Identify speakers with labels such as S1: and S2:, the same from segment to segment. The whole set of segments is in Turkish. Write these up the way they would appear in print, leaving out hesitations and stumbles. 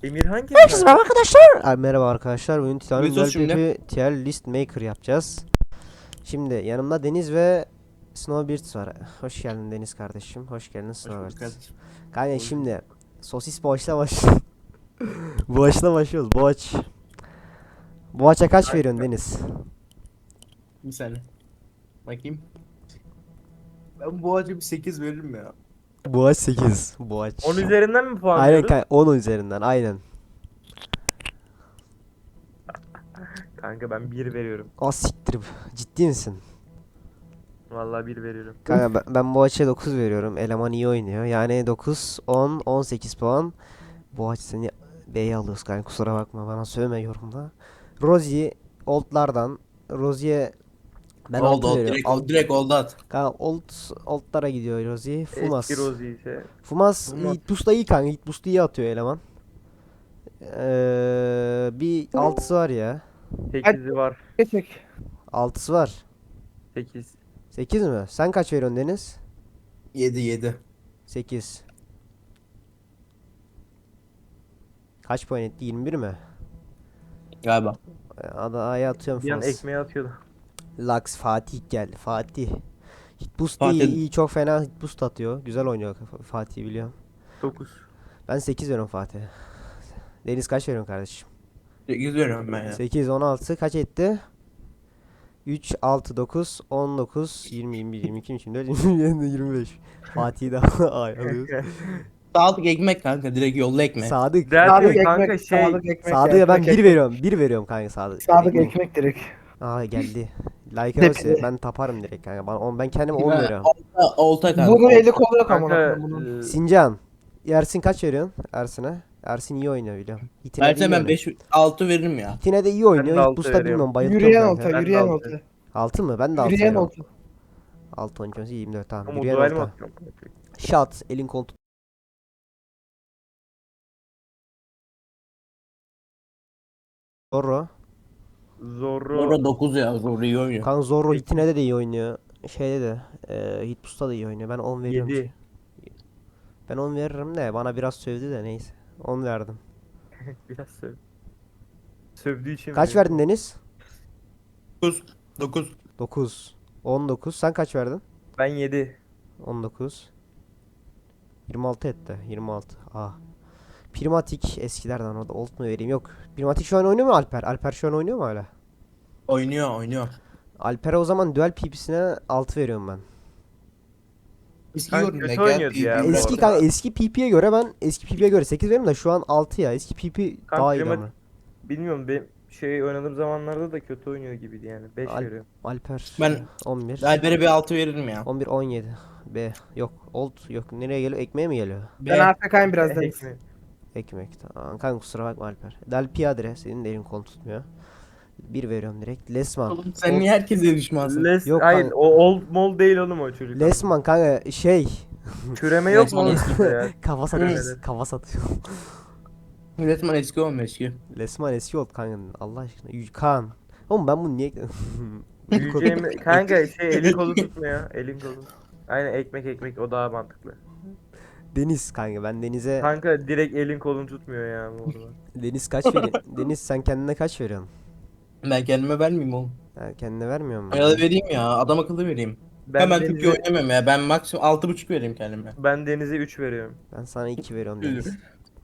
S1: Emirhan kim
S2: Herkese
S1: kanka?
S2: merhaba arkadaşlar. Merhaba arkadaşlar. Bugün Titan'ın
S3: Mesut şimdi.
S2: bir tier list maker yapacağız. Şimdi yanımda Deniz ve Snowbirds var. Hoş geldin Deniz kardeşim. Hoş geldin
S3: Hoş bulduk
S2: Snowbirds.
S3: kardeşim.
S2: Kanka
S1: Hoş
S2: şimdi sosis boğaçla başlıyoruz. Boğaçla başlıyoruz. Boğaç. Boğaça kaç veriyorsun Deniz?
S3: Bir saniye. Bakayım. Ben bu acı bir 8 veririm ya.
S2: Boğaç 8. Boğaç.
S1: 10 üzerinden mi puan
S2: Aynen
S1: veriyoruz?
S2: kanka 10 üzerinden aynen.
S1: Kanka ben 1 veriyorum.
S2: Siktir. Ciddi misin?
S1: Vallahi 1 veriyorum.
S2: Kanka ben Boğaç'a 9 veriyorum. Eleman iyi oynuyor. Yani 9, 10, 18 puan. Boğaç seni B'ye alıyoruz kanka, kusura bakma, bana sövme yorumda. Rosie Old'lardan. Rosie'ye ben
S3: Oldu
S2: 6
S3: oldu.
S2: veriyorum.
S3: Direkt oldu at.
S2: Kanka Old'lara gidiyor Rosie. Fumas.
S1: Eski Rosie ise.
S2: Fumas
S1: Fumas.
S2: Hit Boost'ta iyi kanka. Hit Boost'u iyi atıyor eleman. Bir 6'sı var ya.
S1: 8'i var.
S4: Geçmek.
S2: 6'sı var.
S1: 8.
S2: 8 mi? Sen kaç veriyorsun Deniz?
S3: 7.
S2: 8. Kaç puan etti? 21 mi?
S3: Galiba.
S2: Adaya atıyorum
S1: Bir an
S2: Fumas.
S1: ekmeği atıyordu.
S2: Lux Fatih geldi. Fatih. Hit boost
S3: Fatih-
S2: iyi, çok fena hit boost atıyor. Güzel oynuyor Fatih, biliyorum.
S1: 9.
S2: Ben 8 veriyorum Fatih'e. Deniz kaç veriyorsun kardeşim?
S3: 8 veriyorum ben ya.
S2: 8, 16 kaç etti? 3, 6, 9, 19, 20, 21, 22, 24, 27, 25. Fatih'i de alıyoruz.
S3: Sağlık ekmek kanka. Direkt yolla ekmek.
S2: Sadık.
S4: Sadık
S1: Kanka
S4: ekmek,
S1: şey.
S4: Sadık ekmek.
S2: Sadık'a ben
S4: ekmek,
S2: 1 veriyorum. 1 veriyorum kanka Sadık.
S4: Sadık ekmek direkt.
S2: Aa geldi. Like
S4: Hepsi.
S2: olsa ben taparım direkt kanka. Ben kendime 10 veriyorum.
S3: Olta kanka.
S4: Bunun eli kolu yok ama.
S1: Kanka.
S4: Bunun.
S2: Sincan. Ersin kaç veriyorsun Ersin'e? Ersin iyi oynuyor biliyorum. Hitine de iyi
S3: Versen ben
S2: oynuyor.
S3: 6 veririm ya.
S2: Hitine de iyi
S1: Ben de
S2: oynuyor.
S1: altı
S2: Hit boost'a
S1: veriyorum.
S2: bilmiyorum, bayıltıyorum
S4: Yürüyen
S2: kanka.
S4: olta,
S1: Ben de
S4: yürüyen
S1: altı.
S4: olta.
S2: 6 mı? Ben de 6
S4: Yürüyen
S2: veriyorum.
S4: olta.
S2: 6, 12, 18, 24 tamam.
S1: Ama
S2: Yürüyen
S1: duel mi
S2: olta.
S1: atıyorum?
S2: Shot. Elin koltuk. Zorro.
S1: Zorro.
S3: Sonra 9 ya. Zor iyi oynuyor.
S2: Kan Zorro Hitine de iyi oynuyor. Şeyde de. Hit boost'ta da iyi oynuyor. Ben 10 veriyorum.
S1: 7.
S2: Ben 10 veririm de bana biraz sövdü de neyse. 10 verdim.
S1: Biraz söv. Sövdüğü için
S2: Kaç
S1: veriyorum.
S2: verdin Deniz?
S3: 9.
S2: 9. 19. Sen kaç verdin?
S1: Ben 7.
S2: 19. 26 etti. 26. Ah. Primatik eskilerden, o da old mu vereyim? Yok. Primatik şu an oynuyor mu Alper? Alper şu an oynuyor mu hala?
S3: Oynuyor.
S2: Alper'e o zaman duel PP'sine 6 veriyorum ben.
S3: Eski
S1: Kanka
S3: yorum
S1: kötü
S3: ne
S1: oynuyordu
S3: gel.
S1: ya bu
S2: Eski
S1: arada.
S2: kanka, eski PP'ye göre ben eski PP'ye göre 8 veriyorum da şu an 6 ya. Eski PP
S1: Kanka
S2: daha iyi
S1: primat-
S2: ama.
S1: Bilmiyorum, benim şey oynadığım zamanlarda da kötü oynuyor gibiydi yani. 5
S2: Al-
S1: veriyorum.
S2: Alper
S3: Ben
S2: 11.
S3: Alper'e bir 6 veririm ya.
S2: 11, 17. B yok. Old yok. Nereye geliyor? Ekmeğe mi geliyor?
S4: Ben AFK'yim biraz Deniz.
S1: Ekmeği.
S2: Ekmek. Tamam kanka, kusura bakma Alper. Del Piadre senin de elin kol tutmuyor. 1 veriyorum direkt. Lesman.
S3: Oğlum sen niye herkese düşmansın?
S1: Yok, hayır,
S2: kanka.
S1: o old mol değil oğlum o çocuk.
S2: Lesman kanka şey.
S1: Küreme yok mu
S3: Lesman
S1: oğlum
S3: eski.
S1: sizde ya?
S2: Kafa
S1: Küremeler.
S2: satıyor. Kafa satıyor.
S3: Resmen eski olmuş eski.
S2: Lesman eski oldu kanka. Allah aşkına. Kaan. Oğlum ben bunu niye...
S1: Yiyeceğim kanka şey, elin kolu tutmuyor. Elin kolu. Aynen, ekmek o daha mantıklı.
S2: Deniz kanka, ben Deniz'e...
S1: Kanka direkt elin kolun tutmuyor ya bu arada.
S2: Deniz kaç veriyor? Deniz sen kendine kaç veriyorsun?
S3: Ben kendime vermeyeyim oğlum.
S2: Ha, kendine vermiyor musun?
S3: Ya da vereyim ya. Adam akıllı vereyim. Ben çok iyi
S1: Deniz'e,
S3: oynamıyorum ya. Ben maksimum 6,5 vereyim kendime.
S1: ben Deniz'e 3 veriyorum.
S2: Ben sana 2 veriyorum
S3: Üzülür.
S2: Deniz.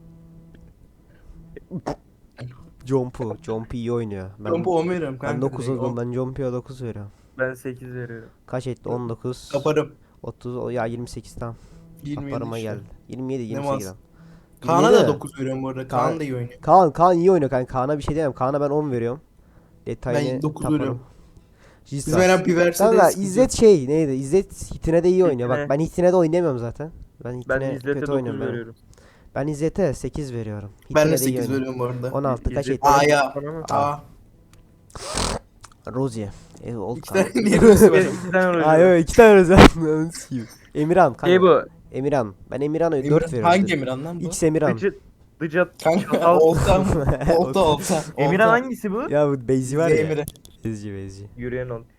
S2: Jompu iyi oynuyor.
S3: Kompo 10 veriyorum kanka.
S2: Ben 9
S3: direkt.
S2: oldum. Ben Jompu'ya 9 veriyorum.
S1: Ben 8 veriyorum.
S2: Kaç etti? 19.
S3: Kaparım.
S2: 30 ya 28 tam.
S3: 27
S2: Kaparıma
S3: işte.
S2: geldi. 27
S3: Ne
S2: 28
S3: mas?
S2: tam.
S3: Kaan'a
S2: 27
S3: da
S2: mi?
S3: 9 veriyorum bu arada. Kaan da iyi oynuyor.
S2: Kaan iyi oynuyor kanka. Kaan'a bir şey diyemem. Kaan'a ben 10 veriyorum. Detayını
S3: Ben 9
S2: taparım.
S3: veriyorum.
S2: Jesus.
S3: Biz veren Pivers'e
S2: Kanka
S3: de
S2: İzzet şey neydi? İzzet Hitine de iyi oynuyor. Bak
S1: Hitine.
S2: ben Hitine de oynayamıyorum zaten. Ben
S1: Ben
S2: Hitine
S1: İzzet'e
S2: kötü
S1: 9
S2: oynuyorum ben.
S1: veriyorum.
S2: Ben İzzet'e 8 veriyorum.
S3: Ben
S2: Hitine
S3: de
S2: iyi
S3: 8
S2: oynuyor.
S3: veriyorum bu arada.
S2: 16 kaç
S1: İzzet-
S2: etti?
S3: A'ya.
S1: Ama-
S3: A.
S2: Rozier. Old
S3: İki
S2: kanka.
S3: tane niye böyle var?
S1: 2 tane
S2: Ay
S1: oynuyor.
S2: yok, 2 tane Rozier. Emirhan kanka.
S1: Şey bu.
S2: Emirhan. Ben Emirhan'a 4
S3: Emirhan,
S2: veriyorum.
S3: hangi Emirhan lan bu?
S2: X Emirhan.
S1: Dıcat.
S3: Kanka
S1: Çatal.
S3: olta. Olta.
S1: Emirhan hangisi bu?
S2: Ya bu Beyzi var ya.
S3: Emirhan.
S2: Bezci.
S1: Yürüyen ol.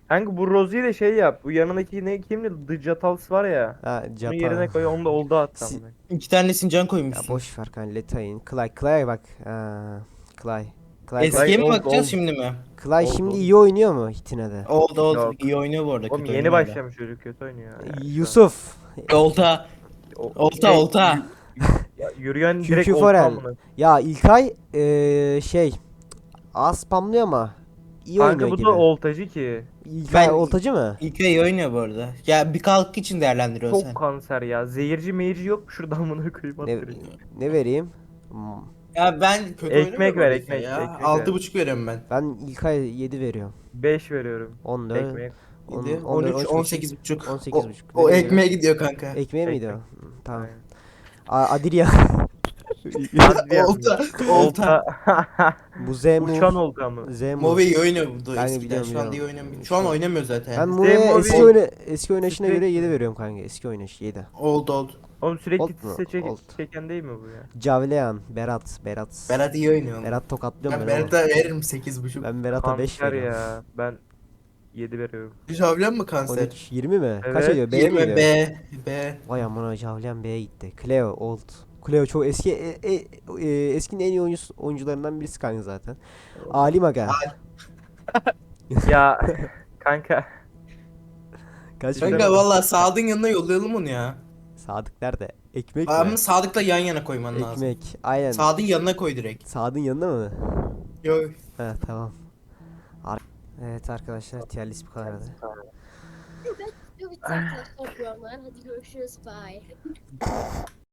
S1: Kanka bu Rosie'yi de şey yap. Bu yanındaki ne kimdi? The Jatals var ya.
S2: Ha
S1: Bunu
S2: Japa.
S1: yerine koy. Onu da oldu hatta.
S2: Si-
S3: 2 tanesini can
S2: Ya
S3: koymuşsun.
S2: boş ver kanka Letay'ın. Clyde'a bak. Clyde.
S3: Eskiye mi
S1: oldu,
S3: bakacağız
S1: oldu.
S3: şimdi mi?
S2: Clyde
S1: Oldu,
S2: şimdi
S1: oldu.
S2: iyi oynuyor mu Hitine'de?
S3: Oldu oldu.
S1: Yok.
S3: İyi oynuyor bu arada.
S1: Oğlum
S3: kötü
S1: yeni
S3: oynamıyor da.
S1: başlamış çocuk, kötü oynuyor. Yani şu an.
S2: Yusuf.
S3: Olta.
S1: O-
S3: Olta
S1: şey,
S3: olta.
S1: Ya, yürüyen
S2: QQ
S1: direkt olta
S2: Forel.
S1: amına.
S2: Ya İlkay şey az spamlıyor ama iyi
S1: Kanka
S2: oynuyor
S1: bu
S2: gibi.
S1: da oltacı ki.
S2: İlkay
S3: Ben-
S2: oltacı mı?
S3: İlk iyi oynuyor bu arada. Ya bir kalk için değerlendiriyorsun
S1: Çok
S3: sen.
S1: kanser ya. Zehirci meyirci yok mu şuradan amına koyayım
S2: Ne,
S1: at direkt.
S2: ne vereyim?
S3: Ya ben kötü
S1: Ekmek
S3: oynamıyorum
S1: ver,
S3: öyleyse
S1: ekmek,
S3: ya.
S1: ekmek ver.
S3: 6,5 veriyorum ben.
S2: Ben İlkay 7 veriyorum.
S1: 5 veriyorum.
S2: 14,
S1: Ekmek.
S3: 7, 13, 18,5.
S2: 18,5.
S3: O
S2: Nereye
S3: ekmeğe gidiyor kanka.
S2: Ekmeğe miydi o?
S1: Ekmek.
S2: Hı, Tamam.
S1: Aynen.
S2: Adirya.
S1: Hadi
S3: Olta. Olta.
S2: Bu Zemu.
S1: Uçan olta mı?
S2: Zemu.
S3: Move iyi oynuyordu
S2: Ben
S3: eskiden.
S2: biliyorum,
S3: Şu anda iyi
S2: biliyorum.
S3: oynamıyor. Şu an oynamıyor zaten.
S2: Ben
S3: Yani.
S2: buraya
S1: Zemu
S2: eski oynayışına göre
S1: Sürekli.
S2: 7 veriyorum kanka. Eski oynayış 7.
S3: Oldu.
S1: Oğlum sürekli
S2: Old mu?
S1: titse
S2: Old.
S1: çeken değil mi bu ya?
S2: Javlean, Berat.
S3: Berat iyi oynuyor.
S2: Berat tokatlıyorum
S3: Ben
S2: ben ama.
S3: Berat'a veririm 8,5.
S2: Ben Berat'a 5
S1: Kanser
S2: veriyorum.
S1: ya. Ben 7 veriyorum.
S3: Javlen mi kanser?
S2: 13, 20 mi? Kaç
S1: Evet,
S2: ediyor? B mi
S3: 20
S2: gidiyor?
S3: B.
S2: Vay amına Javlean B'ye gitti. Cleo, Old. Cleo çok eski eskinin en iyi oyuncularından birisi kanka zaten. Ali Maga.
S1: Ya kanka.
S2: Kaç
S3: Kanka
S2: veriyor?
S3: valla Sadık'ın yanına yollayalım onu ya.
S2: Sadık nerede? Ekmek
S3: Ama
S2: mi?
S3: Sadık'la yan yana koyman lazım.
S2: Ekmek. Aynen.
S3: Sadık'ın yanına koy direkt.
S2: Sadık'ın yanında mı?
S3: Yok.
S2: Ha tamam. Evet arkadaşlar tier list bu kadardı.
S5: Evet, arkadaşlar bu yorumlar. Hadi görüşürüz. Bye.